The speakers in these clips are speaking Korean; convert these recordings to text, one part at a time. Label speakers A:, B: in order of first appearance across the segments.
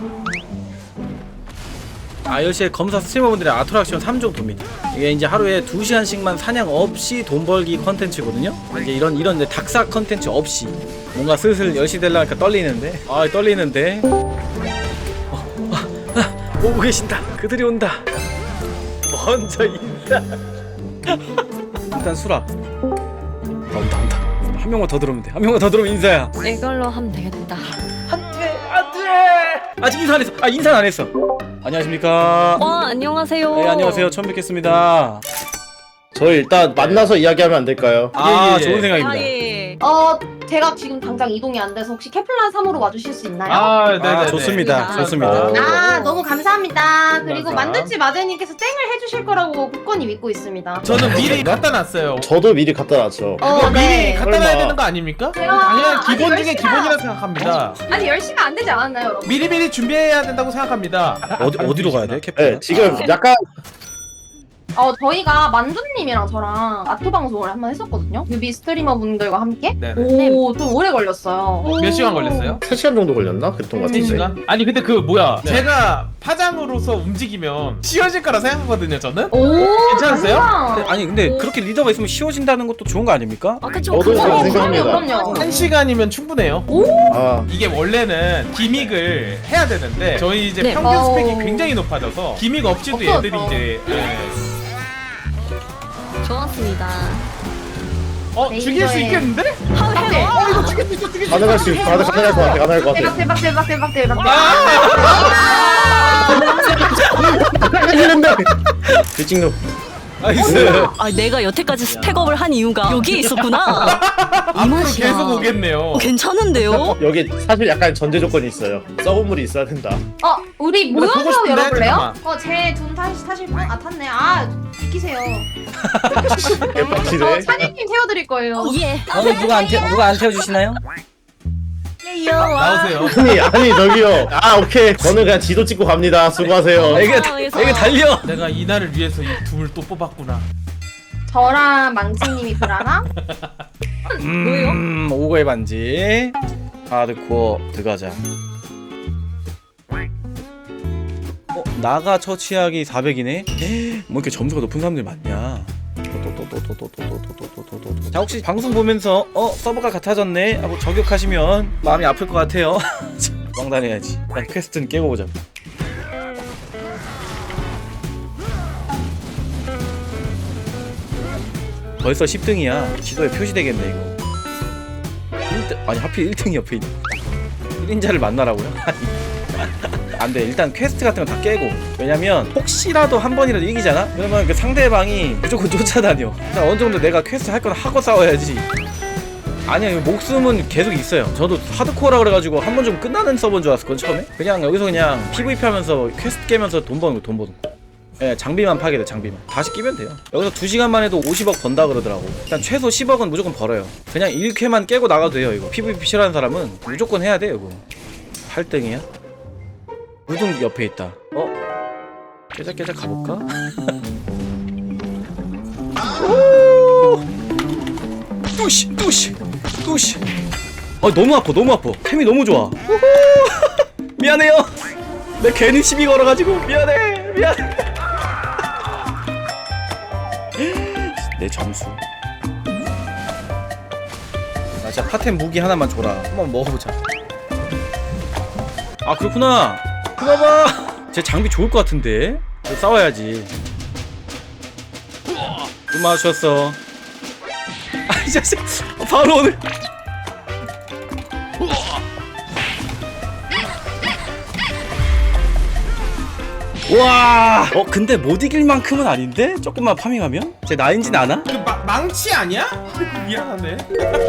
A: iOS의 검사 스트리머분들의 아트락션 3종 돕니다. 이게 이제 하루에 2시간씩만 사냥 없이 돈 벌기 컨텐츠거든요. 이제 이런 이제 닥사 컨텐츠 없이 뭔가 슬슬 10시 되려니까 떨리는데 떨리는데 오고 계신다. 그들이 온다. 먼저 인사. 일단 수락. 온다. 한 명만 더 들어오면 돼. 한 명만 더 들어오면 인사야.
B: 이걸로 하면 되겠다.
A: 안돼. 아직 인사 안 했어. 인사 안 했어. 안녕하십니까.
B: 안녕하세요.
A: 네, 안녕하세요. 처음 뵙겠습니다.
C: 저희 일단 만나서 이야기하면 안 될까요?
A: 아, 좋은 생각입니다.
B: 예.
D: 제가 지금 당장 이동이 안 돼서 혹시 케플란 3으로 와주실 수 있나요?
A: 아, 좋습니다. 좋습니다.
D: 너무 감사합니다. 그리고
E: 감사합니다.
D: 만두집 아재님께서 땡을 해주실 거라고 굳건히 믿고 있습니다.
E: 저는 미리 갖다 놨어요.
C: 저도 미리 갖다 놨죠.
E: 이거 미리
D: 네.
E: 갖다
C: 설마.
E: 놔야 되는 거 아닙니까?
D: 제가
E: 당연한
D: 아직
E: 기본 중에
D: 10시간
E: 기본이라 생각합니다.
D: 아직 10시가 안 되지 않았나요, 여러분?
E: 미리미리 준비해야 된다고 생각합니다.
A: 어디로 가야 돼?
C: 네,
A: 캐플?
C: 지금 약간
D: 저희가 만두님이랑 저랑 아토 방송을 한번 했었거든요. 뮤비 스트리머 분들과 함께.
E: 네네.
D: 좀 오래 걸렸어요.
E: 몇 시간 걸렸어요?
C: 3시간 정도 걸렸나? 그랬던 것 같은데.
E: 3시간? 아니 근데 그 뭐야
A: 네.
E: 제가 파장으로서 움직이면 쉬워질 거라 생각하거든요 저는?
D: 오,
E: 괜찮으세요?
D: 감사합니다.
A: 아니 근데 그렇게 리더가 있으면 쉬워진다는 것도 좋은 거 아닙니까?
B: 그쵸.
C: 저도
B: 그거
C: 그렇게 생각합니다.
D: 그럼요.
E: 1시간이면 충분해요.
C: 아,
E: 이게 원래는 기믹을 해야 되는데 저희 이제
B: 네.
E: 평균
D: 어우.
E: 스펙이 굉장히 높아져서 기믹 없이도
D: 없어졌어.
E: 얘들이 이제
B: 좋았습니다.
E: 죽일 수 있겠는데?
D: 네.
C: 가능할 수 있어. 가능할 것 같아. 가능할 것 같아.
D: 대박.
C: 이랬는데. 들찍노.
A: 나이스.
B: 내가 여태까지 스펙업을 한 이유가 여기에 있었구나. 이
E: 앞으로
B: 맛이야.
E: 계속 오겠네요.
B: 괜찮은데요?
C: 여기 사실 약간 전제 조건이 있어요. 썩은 물이 있어야 된다.
D: 우리
E: 근데 보고
D: 모여서
E: 싶은데?
D: 열어볼래요?
E: 잠깐만.
D: 제 돈 타실 분? 탔네. 비키세요.
C: 개빡치네.
D: 찬이님 태워드릴 거예요.
B: 예.
A: 누가 안 태워주시나요?
E: 나오세요.
C: 아니 저기요. 오케이. 저는 그냥 지도 찍고 갑니다. 수고하세요.
A: 애가 달려.
E: 내가 이날을 위해서 이 둠을 또 뽑았구나.
D: 저랑 망치님이 불안함?
B: 뭐예요?
A: 오고의 반지. 하드코어 들어가자. 나가 처치하기 400이네? 뭐 이렇게 점수가 높은 사람들이 많냐? 자, 혹시 방송 보면서 서버가 같아졌네 하고 저격하시면 마음이 아플 것 같아요. 왕단해야지. 일단 퀘스트는 깨고 보자. 벌써 10등이야. 지도에 표시되겠네 이거. 1등, 아니 하필 1등이 옆에 있네. 1인자를 만나라고요? 안돼. 일단 퀘스트 같은 거 다 깨고. 왜냐면 혹시라도 한 번이라도 이기잖아? 그러면 그 상대방이 무조건 쫓아다녀. 일단 어느 정도 내가 퀘스트 할 건 하고 싸워야지. 아니야, 이거 목숨은 계속 있어요. 저도 하드코어라 그래가지고 한 번 좀 끝나는 서버인 줄 알았을 건 처음에. 그냥 여기서 그냥 PVP 하면서 퀘스트 깨면서 돈 버는 거. 예, 장비만 파게 돼. 장비만 다시 끼면 돼요. 여기서 2시간만 해도 50억 번다 그러더라고. 일단 최소 10억은 무조건 벌어요. 그냥 1쾌만 깨고 나가도 돼요. 이거 PVP 싫어하는 사람은 무조건 해야 돼. 이거 8등이야? 우등 옆에 있다. 깨작 가볼까? 뚜시. 너무 아파. 템이 너무 좋아. 미안해요. 내가 괜히 시비 걸어가지고 미안해. 내 점수. 나 진짜 파템 무기 하나만 줘라. 한번 먹어보자. 그렇구나. 그나마 제 장비 좋을 것 같은데. 싸워야지. 또 맞췄어. 이 자식 바로 오늘. 와. 근데 못 이길 만큼은 아닌데? 조금만 파밍하면? 제 나인진 않아?
E: 그 망치 아니야? 미안하네.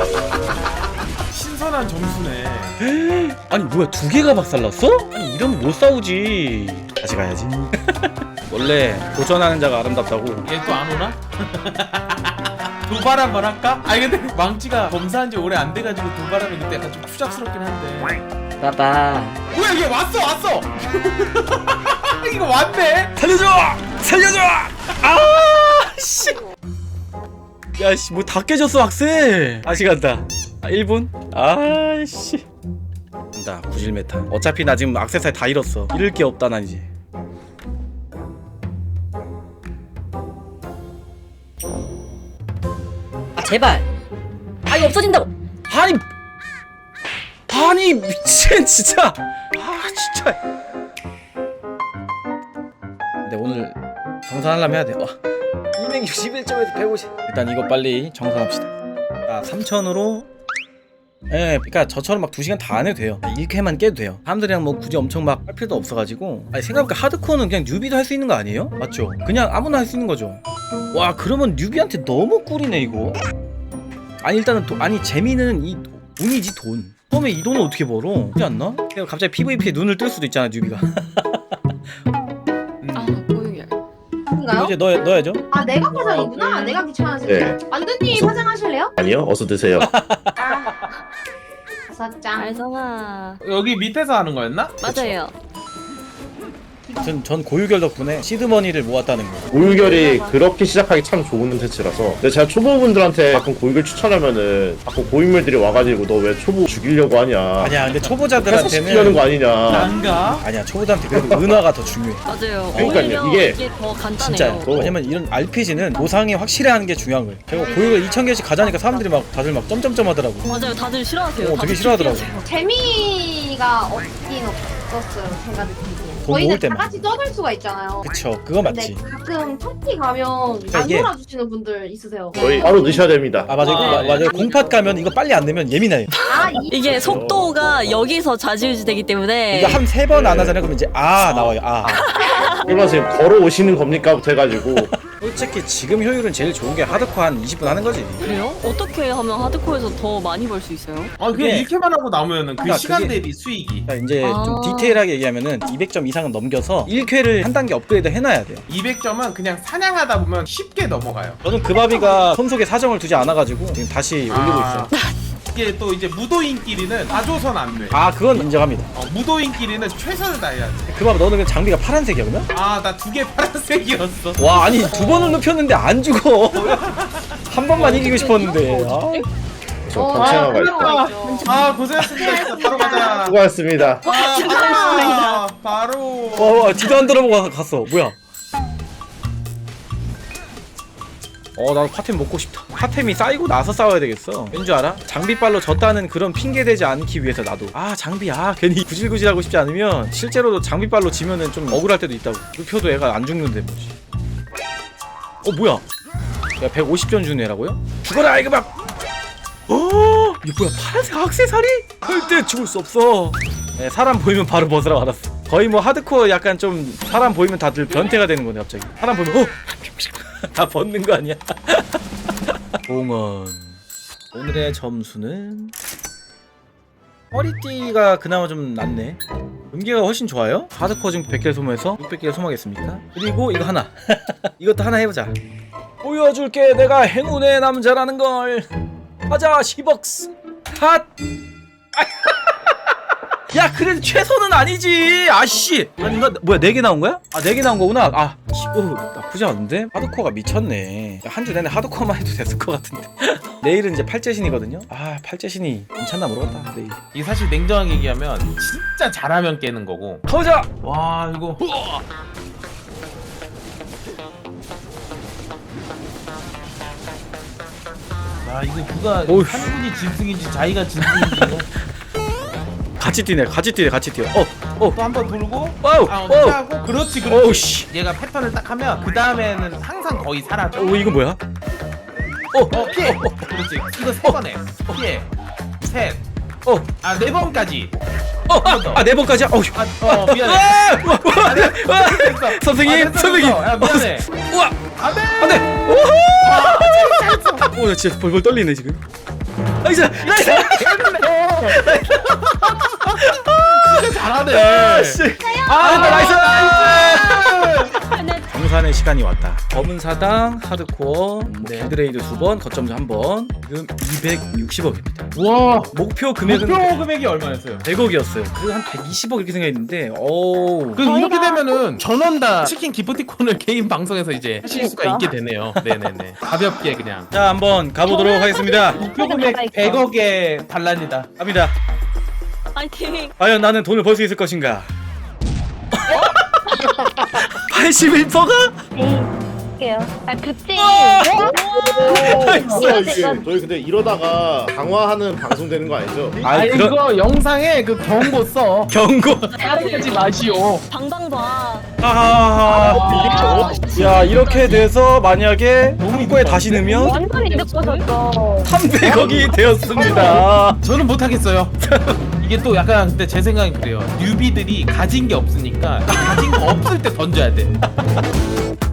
E: 신선한 점수네.
A: 아니 뭐야, 2개가 박살났어? 아니 이러면 못 싸우지. 다시 가야지. 원래 도전하는 자가 아름답다고.
E: 얘 또 안 오나? 도발 한번 할까? 아니 근데 망치가 검사한 지 오래 안 돼가지고 도발하면 그때 약간 좀 추잡스럽긴 한데.
A: 빠빠.
E: 뭐야 얘 왔어! 이거 왔네?
A: 살려줘! 씨. 야씨, 뭐 다 깨졌어, 학생. 다시 간다. 1분? 씨. 간다. 간다 구질 메타. 어차피 나 지금 액세서리 다 잃었어. 잃을 게 없다 난 이제.
B: 아 제발. 아 이거 없어진다고.
A: 아니 미친 진짜. 아 진짜. 근데 오늘 정산하려면 해야 돼. 261점에서 150. 일단 이거 빨리 정산합시다. 아 3,000으로. 예, 그러니까 저처럼 막 2시간 다 안 해도 돼요. 1회만 깨도 돼요. 사람들이랑 뭐 굳이 엄청 막 할 필요도 없어가지고. 아니 생각해보니까 하드코어는 그냥 뉴비도 할 수 있는 거 아니에요? 맞죠? 그냥 아무나 할 수 있는 거죠. 와 그러면 뉴비한테 너무 꿀이네 이거. 아니 일단은 아니 재미는 이 돈이지 돈. 처음에 이 돈을 어떻게 벌어? 그렇지 않나? 내가 갑자기 PVP에 눈을 뜰 수도 있잖아 뉴비가.
B: 아 고유열.
A: 이거
D: 인가요?
A: 이제 넣어야죠.
D: 아 내가 파장이구나. 내가 귀찮아지네.
C: 네.
D: 만두님
C: 무슨-
D: 파장하실래요?
C: 아니요, 어서 드세요.
D: 아. 5장.
B: 알성아.
E: 여기 밑에서 하는 거였나?
B: 맞아요.
A: 전 고유결 덕분에 시드머니를 모았다는 거.
C: 고유결이 그렇게 시작하기 참 좋은 세츠라서. 근데 제가 초보분들한테 가끔 고유결 추천하면은 가끔 고인물들이 와가지고 너 왜 초보 죽이려고 하냐,
A: 아니야 근데
C: 회사시키려는
A: 초보자들한테는
C: 거 아니냐.
E: 난가?
A: 아니야 초보자한테 그래도 은화가 더 중요해.
B: 맞아요.
C: 그러니까요,
B: 오히려
C: 이게
B: 더 간단해요.
A: 진짜요. 왜냐면 이런 RPG는 보상이 확실히 하는 게 중요한 거예요. 제가 고유결 2,000개씩 가자니까 사람들이 막 다들 막 점점점 하더라고.
B: 맞아요. 다들 싫어하세요.
A: 되게
B: 다들
A: 싫어하더라고.
B: 준비하세요.
D: 재미가 없긴 없었어요. 제가 느끼기엔.
A: 돈
D: 저희는
A: 모을
D: 다
A: 때만.
D: 같이 떠들 수가 있잖아요.
A: 그쵸 그거
D: 근데
A: 맞지.
D: 가끔 파티 가면
A: 그러니까
D: 안
A: 이게-
D: 놀아주시는 분들 있으세요.
C: 저희 바로 넣으셔야 됩니다.
A: 아 맞아요.
E: 아,
A: 맞아요. 공팟 가면 이거 빨리 안 되면 예민해요.
D: 아
B: 이게 속도가 여기서 좌지우지 되기 때문에
A: 이거 한 3번 안 하잖아요. 그럼 이제 나와요.
C: 그러면 지금 걸어오시는 겁니까?부터 해가지고.
A: 솔직히 지금 효율은 제일 좋은 게 하드코어 한 20분 하는 거지.
B: 그래요? 어떻게 하면 하드코어에서 더 많이 벌 수 있어요?
E: 아 그냥
A: 그게-
E: 이렇게만 하고 나오면은 그
A: 그러니까
E: 시간
A: 그게-
E: 대비 수익이
A: 자, 이제
B: 아.
A: 좀 디테일하게 얘기하면은 200점 이상은 넘겨서 1쾌를 한 단계 업그레이드 해놔야 돼요.
E: 200점은 그냥 사냥하다 보면 쉽게 넘어가요.
A: 저는 그 바비가 손속에 사정을 두지 않아가지고 지금 다시 올리고 있어요.
E: 이게 또 이제 무도인끼리는 다 줘선 안 돼.
A: 아 그건 인정합니다.
E: 무도인끼리는 최선을 다해야 돼.
A: 그 바비 너는 그 장비가 파란색이야 그러면?
E: 아 나 2개 파란색이었어.
A: 와 아니 2번을 눕혔는데 안 죽어. 한 번만 이기고 싶었는데. 아.
C: 저 방치하고 갈게요.
D: 요
E: 아 고생했습니다. 진짜 바로 가자.
C: 수고하셨습니다.
E: 아, 바로.
A: 와 뒤도 안 돌아보고 갔어. 뭐야? 나도 파템 먹고 싶다. 파템이 쌓이고 나서 싸워야 되겠어. 왠줄 알아? 장비빨로 졌다는 그런 핑계 대지 않기 위해서 나도 장비 괜히 구질구질하고 싶지 않으면 실제로도 장비빨로 지면은 좀 억울할 때도 있다고. 눕혀도 애가 안 죽는데 뭐지. 뭐야? 야 150점 주는 애라고요? 죽어라 이거 막. 이거 뭐야 파란색 액세서리? 절대 죽을 수 없어. 네, 사람 보이면 바로 벗으라고 알았어. 거의 뭐 하드코어 약간 좀 사람 보이면 다들 변태가 되는 거네 갑자기. 사람 보면 다 벗는 거 아니야? 봉헌. 오늘의 점수는 허리띠가 그나마 좀 낫네. 음계가 훨씬 좋아요. 하드코어 지금 100개를 소모해서 600개를 소모하겠습니까? 그리고 이거 하나. 이것도 하나 해보자. 보여줄게 내가 행운의 남자라는 걸. 가자 10억스 핫. 야 그래도 최소는 아니지. 아씨 아닌가? 뭐야 4개 나온 거야? 4개 나온 거구나. 나쁘지 않은데? 하드코어가 미쳤네. 한 주 내내 하드코어만 해도 됐을 것 같은데. 내일은 이제 팔재신이거든요. 팔재신이 괜찮나 모르겠다 내일.
E: 이게 사실 냉정하게 얘기하면 진짜 잘하면 깨는 거고.
A: 가보자.
E: 와 이거. 아 이거 누가
A: 오우.
E: 한국이 짐승인지 자기가 짐승인지 이거
A: 같이 뛰네.
E: 또 한 번 돌고
A: 와우
E: 어떻게 하고 그렇지
A: 오우 씨.
E: 얘가 패턴을 딱 하면 그 다음에는 항상 거의 사라져.
A: 이거 뭐야?
E: 피해. 그렇지. 이거 3번에 피해. 셋. 네 번까지.
A: 4번까지야?
E: 미안해. 됐어.
A: 선생님,
E: 됐어,
A: 선생님.
E: 됐어. 야 미안해.
A: 우와
E: 안돼.
A: 안돼. 나 진짜 벌벌 떨리네 지금. 나이스.
E: 진짜 잘하네.
A: 씨. 나이스. 정산의 시간이 왔다. 검은 사당, 하드코어, 빌드레이드 2번, 거점수 1번. 지금 260억입니다.
E: 와.
A: 목표 금액은
E: 목표 금액이 얼마였어요?
A: 100억이었어요. 그래서 한 120억 이렇게 생각했는데,
E: 그럼 이렇게 되면은 전원 다 치킨 기프티콘을 개인 방송에서 이제 하실 수가 있게 되네요. 네네네. 가볍게 그냥.
A: 자 한번 가보도록 하겠습니다.
E: 목표 금액 100억의 반란이다.
A: 갑니다.
B: 파이팅.
A: 과연 나는 돈을 벌 수 있을 것인가? 81%가?
F: 할게요. 아, 그때.
C: 뭐야 이게? 저희 근데 이러다가 강화하는 방송 되는 거 아니죠?
A: 아이 그런
E: 이거 영상에 그 경고 써.
A: 경고.
E: 따르지 마시오.
B: 방방 봐.
A: 아. 야 이렇게 돼서 만약에 홍구에 다시 넣으면
F: 완전히 이득 보셨어.
A: 300억이 되었습니다.
E: 저는 못하겠어요. 이게 또 약간 근데 제 생각엔 그래요. 뉴비들이 가진 게 없으니까 가진 거 없을 때 던져야 돼.